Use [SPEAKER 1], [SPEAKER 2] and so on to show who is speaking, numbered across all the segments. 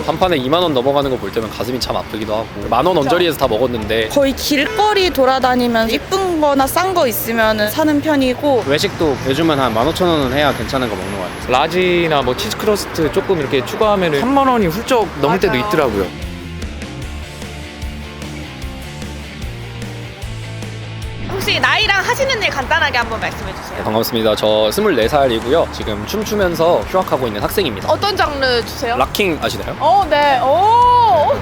[SPEAKER 1] 한 판에 2만 원 넘어가는 거 볼 때면 가슴이 참 아프기도 하고, 10,000원 언저리에서 다 먹었는데
[SPEAKER 2] 거의 길거리 돌아다니면서 이쁜 거나 싼 거 있으면 사는 편이고,
[SPEAKER 3] 외식도 요즘은 한 15,000원은 해야 괜찮은 거 먹는 것 같아요.
[SPEAKER 4] 라지나 뭐 치즈 크러스트 조금 이렇게 추가하면 3만 원이 훌쩍 넘을 때도 있더라고요.
[SPEAKER 5] 혹시 나이랑 하시는 일 간단하게 한번 말씀해 주세요.
[SPEAKER 1] 반갑습니다. 저 24살이고요. 지금 춤추면서 휴학하고 있는 학생입니다.
[SPEAKER 5] 어떤 장르 주세요?
[SPEAKER 1] 락킹 아시나요?
[SPEAKER 5] 네. 오.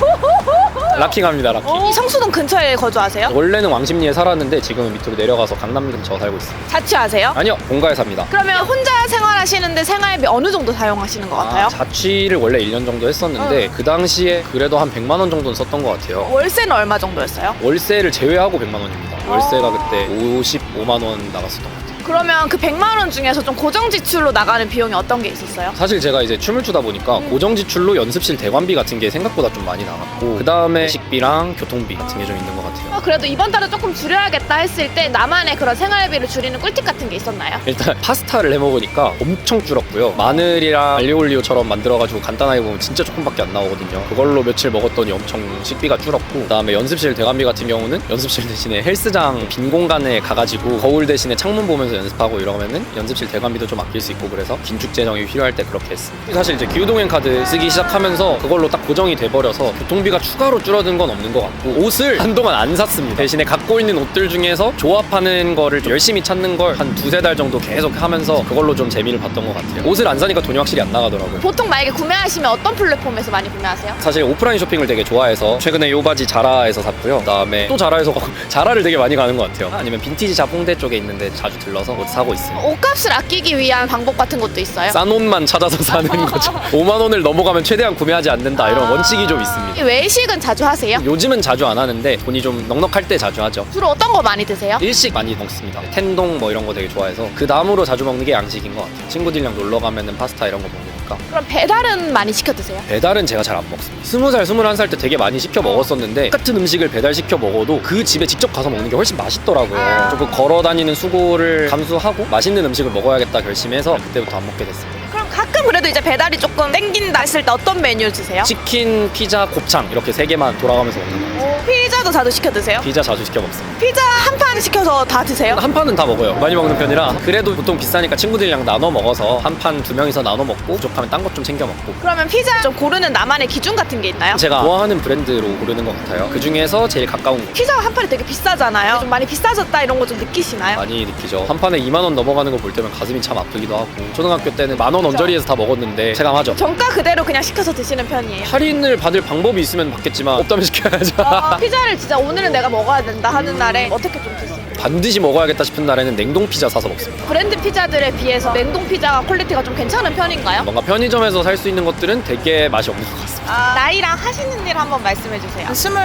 [SPEAKER 1] 락킹합니다. 락킹.
[SPEAKER 5] 이 성수동 근처에 거주하세요?
[SPEAKER 1] 원래는 왕십리에 살았는데 지금은 밑으로 내려가서 강남 근처 살고 있습니다.
[SPEAKER 5] 자취하세요?
[SPEAKER 1] 아니요, 본가에 삽니다.
[SPEAKER 5] 그러면 혼자 생활하시는데 생활비 어느 정도 사용하시는 것 같아요?
[SPEAKER 1] 자취를 원래 1년 정도 했었는데 그 당시에 그래도 한 100만 원 정도는 썼던 것 같아요.
[SPEAKER 5] 월세는 얼마 정도였어요?
[SPEAKER 1] 월세를 제외하고 100만 원입니다. 월세가 그때 55만 원 나갔었던 것 같아요.
[SPEAKER 5] 그러면 그 100만 원 중에서 좀 고정 지출로 나가는 비용이 어떤 게 있었어요?
[SPEAKER 1] 사실 제가 이제 춤을 추다 보니까 고정 지출로 연습실 대관비 같은 게 생각보다 좀 많이 나갔고, 그 다음에 식비랑 교통비 같은 게 좀 있는 것 같아요.
[SPEAKER 5] 그래도 이번 달은 조금 줄여야겠다 했을 때 나만의 그런 생활비를 줄이는 꿀팁 같은 게 있었나요?
[SPEAKER 1] 일단 파스타를 해 먹으니까 엄청 줄었고요. 마늘이랑 알리올리오처럼 만들어가지고 간단하게 보면 진짜 조금밖에 안 나오거든요. 그걸로 며칠 먹었더니 엄청 식비가 줄었고, 그다음에 연습실 대관비 같은 경우는 연습실 대신에 헬스장 빈 공간에 가가지고 거울 대신에 창문 보면서 연습하고 이러면은 연습실 대관비도 좀 아낄 수 있고, 그래서 긴축 재정이 필요할 때 그렇게 했습니다. 사실 이제 기후동행 카드 쓰기 시작하면서 그걸로 딱 고정이 돼버려서 교통비가 추가로 줄어든 건 없는 것 같고, 옷을 한동안 안 샀습니다. 대신에 갖고 있는 옷들 중에서 조합하는 거를 좀 열심히 찾는 걸 한 2-3달 정도 계속 하면서 그걸로 좀 재미를 봤던 것 같아요. 옷을 안 사니까 돈이 확실히 안 나가더라고요.
[SPEAKER 5] 보통 만약에 구매하시면 어떤 플랫폼에서 많이 구매하세요?
[SPEAKER 1] 사실 오프라인 쇼핑을 되게 좋아해서 최근에 요 바지 자라에서 샀고요. 그다음에 또 자라에서 자라를 되게 많이 가는 것 같아요. 아니면 빈티지 샵 홍대 쪽에 있는데 자주 들러서 옷 사고 있습니다.
[SPEAKER 5] 옷값을 아끼기 위한 방법 같은 것도 있어요?
[SPEAKER 1] 싼 옷만 찾아서 사는 거죠. 5만 원을 넘어가면 최대한 구매하지 않는다, 이런 원칙이 좀 있습니다.
[SPEAKER 5] 외식은 자주 하세요?
[SPEAKER 1] 요즘은 자주 안 하는데 돈이 좀 넉넉할 때 자주 하죠.
[SPEAKER 5] 주로 어떤 거 많이 드세요?
[SPEAKER 1] 일식 많이 먹습니다. 텐동 뭐 이런 거 되게 좋아해서 그 다음으로 자주 먹는 게 양식인 것 같아요. 친구들이랑 놀러 가면은 파스타 이런 거 먹으니까.
[SPEAKER 5] 그럼 배달은 많이 시켜 드세요?
[SPEAKER 1] 배달은 제가 잘 안 먹습니다. 20살, 21살 때 되게 많이 시켜 먹었었는데 똑같은 음식을 배달시켜 먹어도 그 집에 직접 가서 먹는 게 훨씬 맛있더라고요. 조금 걸어 다니는 수고를 감수하고 맛있는 음식을 먹어야겠다 결심해서 그때부터 안 먹게 됐습니다.
[SPEAKER 5] 그럼 가끔 그래도 이제 배달이 조금 땡긴다 했을 때 어떤 메뉴 드세요?
[SPEAKER 1] 치킨, 피자, 곱창 이렇게 3개만 돌아가면서 먹는 거예요.
[SPEAKER 5] 피자도 자주 시켜 드세요?
[SPEAKER 1] 피자 자주 시켜 먹습니다.
[SPEAKER 5] 피자 한 판 시켜서 다 드세요?
[SPEAKER 1] 한 판은 다 먹어요. 많이 먹는 편이라. 그래도 보통 비싸니까 친구들이랑 나눠 먹어서 한 판 2명이서 나눠 먹고, 부족하면 딴 것 좀 챙겨 먹고.
[SPEAKER 5] 그러면 피자 좀 고르는 나만의 기준 같은 게 있나요?
[SPEAKER 1] 제가 좋아하는 브랜드로 고르는 것 같아요. 그 중에서 제일 가까운 거
[SPEAKER 5] 피자가 한 판이 되게 비싸잖아요. 좀 많이 비싸졌다 이런 거 좀 느끼시나요?
[SPEAKER 1] 많이 느끼죠. 한 판에 2만 원 넘어가는 거 볼 때면 가슴이 참 아프기도 하고, 초등학교 때는 10,000원 언저리에서 다 먹었는데 체감하죠.
[SPEAKER 5] 정가 그대로 그냥 시켜서 드시는 편이에요.
[SPEAKER 1] 할인을 받을 방법이 있으면 받겠지만 없다면 시켜야죠.
[SPEAKER 5] 피자를 진짜 오늘은 내가 먹어야 된다 하는 날에 어떻게 좀 드세요?
[SPEAKER 1] 반드시 먹어야겠다 싶은 날에는 냉동 피자 사서 먹습니다.
[SPEAKER 5] 브랜드 피자들에 비해서 냉동 피자가 퀄리티가 좀 괜찮은 편인가요?
[SPEAKER 1] 뭔가 편의점에서 살 수 있는 것들은 되게 맛이 없는 것 같습니다.
[SPEAKER 5] 나이랑 하시는 일 한번 말씀해 주세요.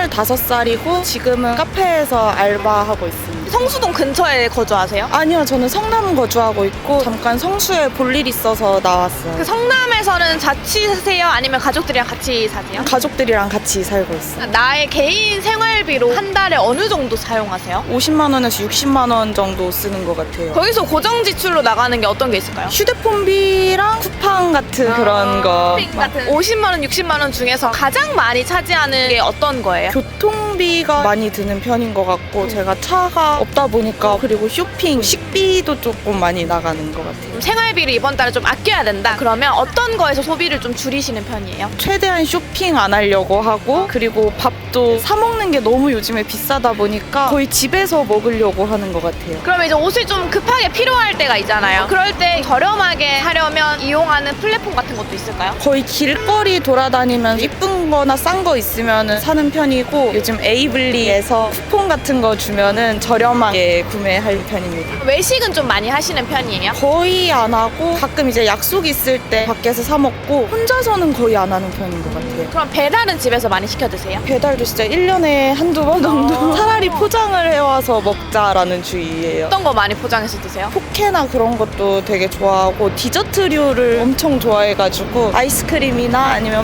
[SPEAKER 2] 25살이고 지금은 카페에서 알바하고 있습니다.
[SPEAKER 5] 성수동 근처에 거주하세요?
[SPEAKER 2] 아니요, 저는 성남 거주하고 있고 잠깐 성수에 볼 일 있어서 나왔어요.
[SPEAKER 5] 그 성남에서는 자취하세요? 아니면 가족들이랑 같이 사세요?
[SPEAKER 2] 가족들이랑 같이 살고 있어요.
[SPEAKER 5] 나의 개인 생활비로 한 달에 어느 정도 사용하세요?
[SPEAKER 2] 50만 원에서 60만 원 정도 쓰는 것 같아요.
[SPEAKER 5] 거기서 고정 지출로 나가는 게 어떤 게 있을까요?
[SPEAKER 2] 휴대폰비랑 쿠팡 같은 그런 거.
[SPEAKER 5] 쇼핑 같은 50만 원, 60만 원 중에서 가장 많이 차지하는 게 어떤 거예요?
[SPEAKER 2] 교통비가 많이 드는 편인 것 같고, 제가 차가 없다 보니까, 그리고 쇼핑, 식비도 조금 많이 나가는 것 같아요.
[SPEAKER 5] 생활비를 이번 달에 좀 아껴야 된다. 그러면 어떤 거에서 소비를 좀 줄이시는 편이에요?
[SPEAKER 2] 최대한 쇼핑 안 하려고 하고, 그리고 밥도 사 먹는 게 너무 요즘에 비싸다 보니까 거의 집에서 먹으려고 하는 것 같아요.
[SPEAKER 5] 그러면 이제 옷을 좀 급하게 필요할 때가 있잖아요. 그럴 때 저렴하게 하려면 이용하는 플랫폼 같은 것도 있을까요?
[SPEAKER 2] 거의 길거리 돌아다니면서 이쁜 거나 싼 거 있으면 사는 편이고, 요즘 에이블리에서 쿠폰 같은 거 주면은 저렴하게 구매할 편입니다.
[SPEAKER 5] 외식은 좀 많이 하시는 편이에요?
[SPEAKER 2] 거의 안 하고, 가끔 이제 약속 있을 때 밖에서 사 먹고, 혼자서는 거의 안 하는 편인 것 같아요.
[SPEAKER 5] 그럼 배달은 집에서 많이 시켜 드세요?
[SPEAKER 2] 배달도 진짜 1년에 한두 번 정도 차라리 포장을 해와서 먹자라는 주의예요.
[SPEAKER 5] 어떤 거 많이 포장해서 드세요?
[SPEAKER 2] 포케나 그런 것도 되게 좋아하고, 디저트류를 엄청 좋아해가지고 아이스크림이나 아니면 빵이나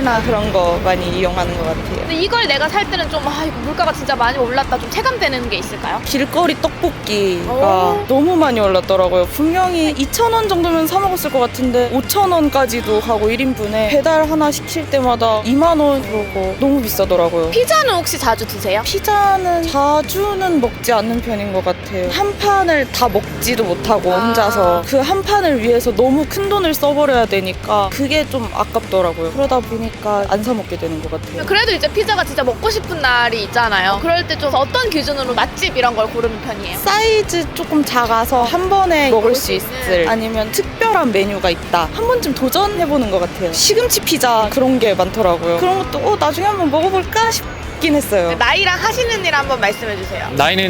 [SPEAKER 2] 카페나 그런 거 많이 이용하는 것 같아요.
[SPEAKER 5] 근데 이걸 내가 살 때는 좀 이거 물가가 진짜 많이 올랐다 좀 체감되는 게 있을까요?
[SPEAKER 2] 길거리 떡볶이가
[SPEAKER 5] 오.
[SPEAKER 2] 너무 많이 올랐더라고요. 분명히 2,000원 정도면 사 먹었을 것 같은데 5,000원까지도 가고 1인분에 배달 하나 시킬 때마다 2만 원 그러고 너무 비싸더라고요.
[SPEAKER 5] 피자는 혹시 자주 드세요?
[SPEAKER 2] 피자는 자주는 먹지 않는 편인 것 같아요. 한 판을 다 먹지도 못하고 혼자서 그 한 판을 위해서 너무 큰 돈을 써버려야 되니까 그게 좀 아깝더라고요. 그러다 보니까 안 사 먹게 되는 것 같아요.
[SPEAKER 5] 그래도 이제 피자가 진짜 먹고 싶은 날이 있잖아요. 그럴 때 좀 어떤 기준으로 맛집 이런 걸 고르는 편이에요?
[SPEAKER 2] 사이즈 조금 작아서 한 번에 먹을 수 있을 아니면 특별한 메뉴가 있다. 한 번쯤 도전해보는 것 같아요. 시금치 피자 그런 게 많더라고요. 그런 것도 나중에 한번 먹어볼까 싶긴 했어요.
[SPEAKER 5] 나이랑 하시는 일 한번 말씀해 주세요.
[SPEAKER 4] 나이는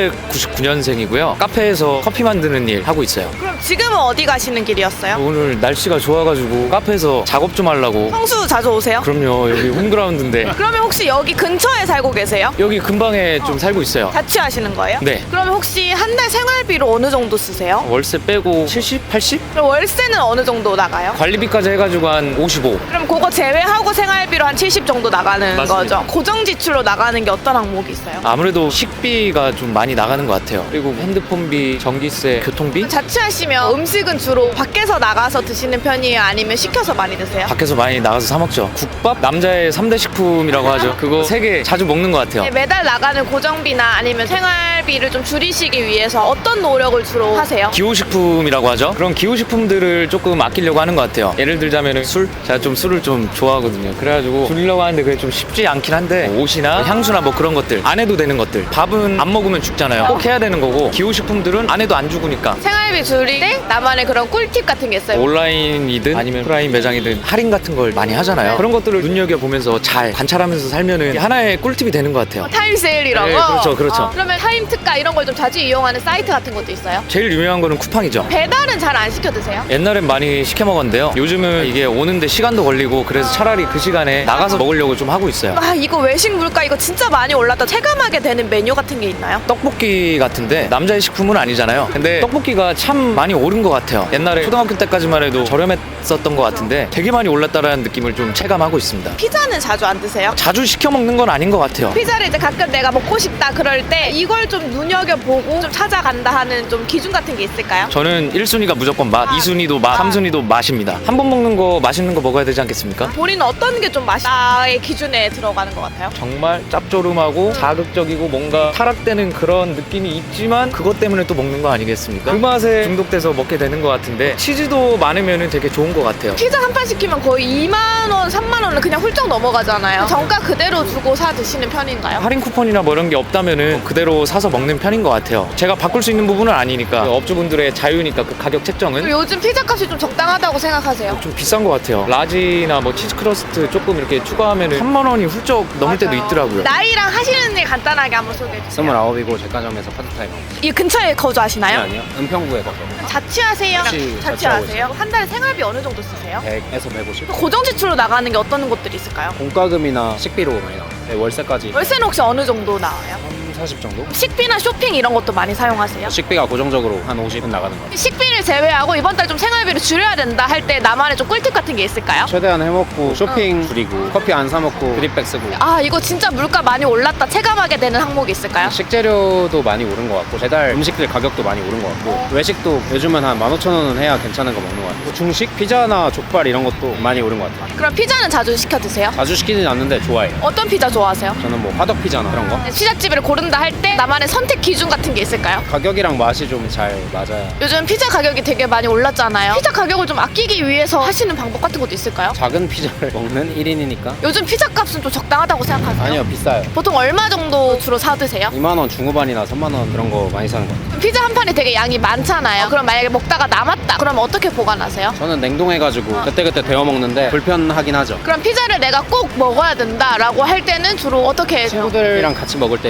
[SPEAKER 4] 1999년생이고요. 카페에서 커피 만드는 일 하고 있어요.
[SPEAKER 5] 그럼 지금은 어디 가시는 길이었어요?
[SPEAKER 4] 오늘 날씨가 좋아가지고 카페에서 작업 좀 하려고.
[SPEAKER 5] 성수 자주 오세요?
[SPEAKER 4] 그럼요. 여기 홈그라운드인데
[SPEAKER 5] 그러면 혹시 여기 근처에 살고 계세요?
[SPEAKER 4] 여기 근방에 좀 살고 있어요.
[SPEAKER 5] 자취하시는 거예요?
[SPEAKER 4] 네.
[SPEAKER 5] 그러면 혹시 한 달 생활비로 어느 정도 쓰세요?
[SPEAKER 4] 월세 빼고 70, 80?
[SPEAKER 5] 그럼 월세는 어느 정도 나가요?
[SPEAKER 4] 관리비까지 해가지고 한 55.
[SPEAKER 5] 그럼 그거 제외하고 생활비로 한 70 정도 나가는
[SPEAKER 4] 맞습니다.
[SPEAKER 5] 거죠? 고정 지출로 나가는 게 어떤 항목이 있어요?
[SPEAKER 4] 아무래도 식비가 좀 많이 나가는 것 같아요. 그리고 핸드폰비, 전기세, 교통비?
[SPEAKER 5] 자취하시면 음식은 주로 밖에서 나가서 드시는 편이에요? 아니면 시켜서 많이 드세요?
[SPEAKER 4] 밖에서 많이 나가서 사 먹죠. 국밥? 남자의 3대 식품이라고 하죠. 그거 3개 자주 먹는 것 같아요.
[SPEAKER 5] 매달 나가는 고정비나 아니면 생활비를 좀 줄이시기 위해서 어떤 노력을 주로 하세요?
[SPEAKER 4] 기호식품이라고 하죠. 그런 기호식품들을 조금 아끼려고 하는 것 같아요. 예를 들자면 술? 제가 좀 술을 좀 좋아하거든요. 그래가지고 줄이려고 하는데 그게 좀 쉽지 않긴 한데 옷이나 향수나 뭐 그런 것들 안 해도 되는 것들. 밥은 안 먹으면 죽잖아요. 꼭 해야 되는 거고 기호식품들은 안 해도 안 죽으니까
[SPEAKER 5] 생활비 줄일 때 나만의 그런 꿀팁 같은 게 있어요?
[SPEAKER 4] 온라인이든 아니면 오프라인 매장이든 할인 같은 걸 많이 하잖아요. 그런 것들을 눈여겨보면서 잘 관찰하면서 살면은 하나의 꿀팁이 되는 것 같아요.
[SPEAKER 5] 타임세일 이런
[SPEAKER 4] 네,
[SPEAKER 5] 거?
[SPEAKER 4] 그렇죠, 그렇죠.
[SPEAKER 5] 그러면 타임 특가 이런 걸 좀 자주 이용하는 사이트 같은 것도 있어요?
[SPEAKER 4] 제일 유명한 거는 쿠팡이죠.
[SPEAKER 5] 배달은 잘 안 시켜 드세요?
[SPEAKER 4] 옛날엔 많이 시켜 먹었는데요. 요즘은 이게 오는데 시간도 걸리고 그래서 차라리 그 시간에 나가서 먹으려고 좀 하고 있어요.
[SPEAKER 5] 이거 외식 물가 이거 진짜 많이 올랐다 체감하게 되는 메뉴 같은 게 있나요?
[SPEAKER 4] 떡볶이 같은데 남자의 식품은 아니잖아요. 근데 떡볶이가 참 많이 오른 것 같아요. 옛날에 초등학교 때까지만 해도 저렴했었던 것 같은데 되게 많이 올랐다라는 느낌을 좀 체감하고 있습니다.
[SPEAKER 5] 피자는 자주 안 드세요?
[SPEAKER 4] 자주 시켜 먹는 건 아닌 것 같아요.
[SPEAKER 5] 피자를 이제 가끔 내가 먹고 싶다 그럴 때 이걸 좀 눈여겨보고 좀 찾아간다 하는 좀 기준 같은 게 있을까요?
[SPEAKER 4] 저는 1순위가 무조건 맛, 2순위도 맛, 3순위도 맛입니다. 한 번 먹는 거 맛있는 거 먹어야 되지 않겠습니까?
[SPEAKER 5] 본인은 어떤 게 좀 맛있다의 기준에 들어가는 것 같아요?
[SPEAKER 4] 정말 짭조름하고 자극적이고 뭔가 타락되는 그런 느낌이 있지만 그것 때문에 또 먹는 거 아니겠습니까? 그 맛에 중독돼서 먹게 되는 것 같은데 치즈도 많으면 되게 좋은 것 같아요.
[SPEAKER 5] 피자 한 판 시키면 거의 2만 원, 3만 원은 그냥 훌쩍 넘어가잖아요. 정가 그대로 주고 사 드시는 편인가요?
[SPEAKER 4] 할인 쿠폰이나 뭐 이런 게 없다면은 그대로 사서 먹는 편인 것 같아요. 제가 바꿀 수 있는 부분은 아니니까 그 업주분들의 자유니까 그 가격 책정은
[SPEAKER 5] 요즘 피자 값이 좀 적당하다고 생각하세요?
[SPEAKER 4] 좀 비싼 것 같아요. 라지나 뭐 치즈 크러스트 조금 이렇게 추가하면은 3만 원이 훌쩍 넘을 때도 있더라고요.
[SPEAKER 5] 나이랑 하시는 일 간단하게 한번 소개해 주세요.
[SPEAKER 3] 29이고 제과점에서 파트타임 하고 있어요.
[SPEAKER 5] 이 근처에 거주하시나요?
[SPEAKER 3] 아니요. 은평구에 거죠.
[SPEAKER 5] 자취하세요?
[SPEAKER 3] 자취하고
[SPEAKER 5] 자취하세요? 한 달에 생활비 어느 정도 쓰세요?
[SPEAKER 3] 100에서 150.
[SPEAKER 5] 고정 지출로 나가는 게 어떤 것들이 있을까요?
[SPEAKER 3] 공과금이나 식비로 많이 나와요. 네, 월세까지
[SPEAKER 5] 월세는 혹시 어느 정도 나와요?
[SPEAKER 3] 40 정도?
[SPEAKER 5] 식비나 쇼핑 이런 것도 많이 사용하세요?
[SPEAKER 3] 식비가 고정적으로 한 50은 나가는 것 같아요.
[SPEAKER 5] 식비를 제외하고 이번 달 좀 생활비를 줄여야 된다 할 때 나만의 좀 꿀팁 같은 게 있을까요?
[SPEAKER 3] 최대한 해먹고 쇼핑 줄이고 커피 안 사 먹고 드립백 쓰고
[SPEAKER 5] 이거 진짜 물가 많이 올랐다 체감하게 되는 항목이 있을까요?
[SPEAKER 3] 식재료도 많이 오른 것 같고 배달 음식들 가격도 많이 오른 것 같고 외식도 요즘은 한 15,000원은 해야 괜찮은 거 먹는 것 같고 중식 피자나 족발 이런 것도 많이 오른 것 같아요.
[SPEAKER 5] 그럼 피자는 자주 시켜 드세요?
[SPEAKER 3] 자주 시키진 않는데 좋아해요.
[SPEAKER 5] 어떤 피자 좋아하세요?
[SPEAKER 3] 저는 뭐 화덕 피자나 그런 거
[SPEAKER 5] 피자집을 고른다 할 때 나만의 선택 기준 같은 게 있을까요?
[SPEAKER 3] 가격이랑 맛이 좀 잘 맞아야
[SPEAKER 5] 요즘 피자 가격이 되게 많이 올랐잖아요. 피자 가격을 좀 아끼기 위해서 하시는 방법 같은 것도 있을까요?
[SPEAKER 3] 작은 피자를 먹는 1인이니까
[SPEAKER 5] 요즘 피자 값은 좀 적당하다고 생각하세요?
[SPEAKER 3] 아니요 비싸요.
[SPEAKER 5] 보통 얼마 정도 주로 사 드세요?
[SPEAKER 3] 2만 원 중후반이나 3만 원 그런 거 많이 사는 것 같아요.
[SPEAKER 5] 피자 한 판에 되게 양이 많잖아요. 그럼 만약에 먹다가 남았다. 그럼 어떻게 보관하세요?
[SPEAKER 3] 저는 냉동해가지고 그때그때 데워 먹는데 불편하긴 하죠.
[SPEAKER 5] 그럼 피자를 내가 꼭 먹어야 된다라고 할 때는 주로 어떻게 해요?
[SPEAKER 3] 친구들이랑 같이 먹을 때 시키거나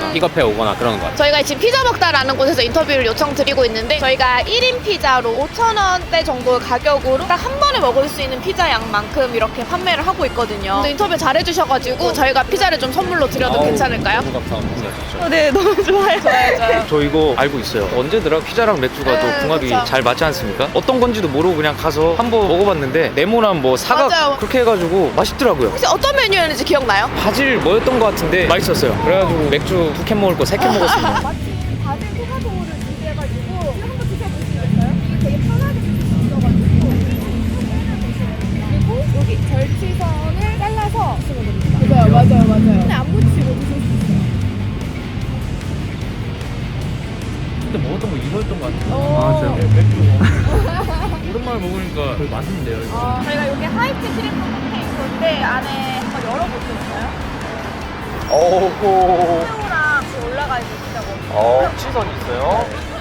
[SPEAKER 3] 픽업해 오거나 그러는 것 같아요.
[SPEAKER 5] 저희가 지금 피자 먹다라는 곳에서 인터뷰를 요청드리고 있는데 저희가 1인 피자로 5,000원대 정도의 가격으로 딱 한 번에 먹을 수 있는 피자 양만큼 이렇게 판매를 하고 있거든요. 근데 인터뷰 잘해주셔가지고 저희가 피자를 좀 선물로 드려도 괜찮을까요?
[SPEAKER 1] 너무 감사합니다.
[SPEAKER 2] 네, 너무 좋아요. 좋아요.
[SPEAKER 4] 저 이거 알고 있어요. 언제더라? 피자랑 맥주가
[SPEAKER 5] 네,
[SPEAKER 4] 또 궁합이
[SPEAKER 5] 그쵸.
[SPEAKER 4] 잘 맞지 않습니까? 어떤 건지도 모르고 그냥 가서 한번 먹어봤는데 네모난 뭐 사각
[SPEAKER 5] 맞아요.
[SPEAKER 4] 그렇게 해가지고 맛있더라고요.
[SPEAKER 5] 혹시 어떤 메뉴였는지 기억나요?
[SPEAKER 4] 바질 뭐였던 것 같은데 맛있었어요. 그래가지고 맥주 2캔 먹을 거 3캔 먹었습니다.
[SPEAKER 5] 마치 바질 토마토를 준비해가지고 한번 드셔보시겠어요? 이게 되게 편하게 드실 수 있어가지고 그리고 여기 절치선을 잘라서 드시면 됩니다. 맞아요. 근데 안 붙이고 드실 수 있어요.
[SPEAKER 3] 그때 먹었던 거 이거였던 것 같아요. 맥주. 오랜만에 먹으니까 되게 맛있는데요, 이거.
[SPEAKER 5] 저희가 여기 하이트 크림 콘테이너인데 안에 한번 열어보실까요?
[SPEAKER 1] 어우.
[SPEAKER 5] 새우랑 같이 올라가 있는 피자고.
[SPEAKER 1] 치선이 있어요.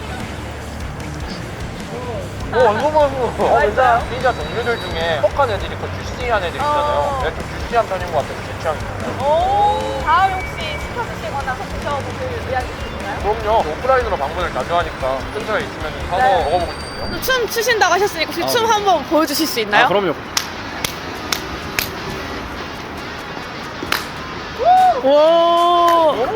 [SPEAKER 1] 완전 맛있어.
[SPEAKER 5] 맞아요.
[SPEAKER 1] 피자 종류들 중에 뻑한 애들 있고 주시한 애들 있잖아요. 내가 좀 주시한 편인 것 같아요. 제 취향입니다.
[SPEAKER 5] 다음에 혹시 시켜드시거나 드셔보실 의향이 있으신가요?
[SPEAKER 1] 그럼요. 오프라인으로 방문을 자주 하니까 근처에 있으면 사서
[SPEAKER 5] 네.
[SPEAKER 1] 먹어보고 싶은데요.
[SPEAKER 5] 춤 추신다고 하셨으니까 혹시 춤 한번 보여주실 수 있나요?
[SPEAKER 1] 그럼요.
[SPEAKER 5] 오.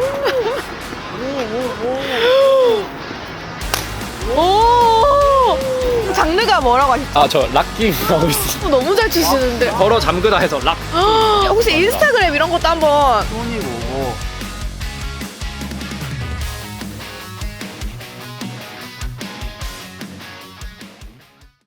[SPEAKER 5] 오. 장르가 뭐라고 하셨죠?
[SPEAKER 1] 저 락킹 하고 있어요.
[SPEAKER 5] 너무 잘 추시는데.
[SPEAKER 1] 걸어 잠그다 해서 락.
[SPEAKER 5] 혹시 인스타그램 이런 것도 한번.
[SPEAKER 3] 손이 오고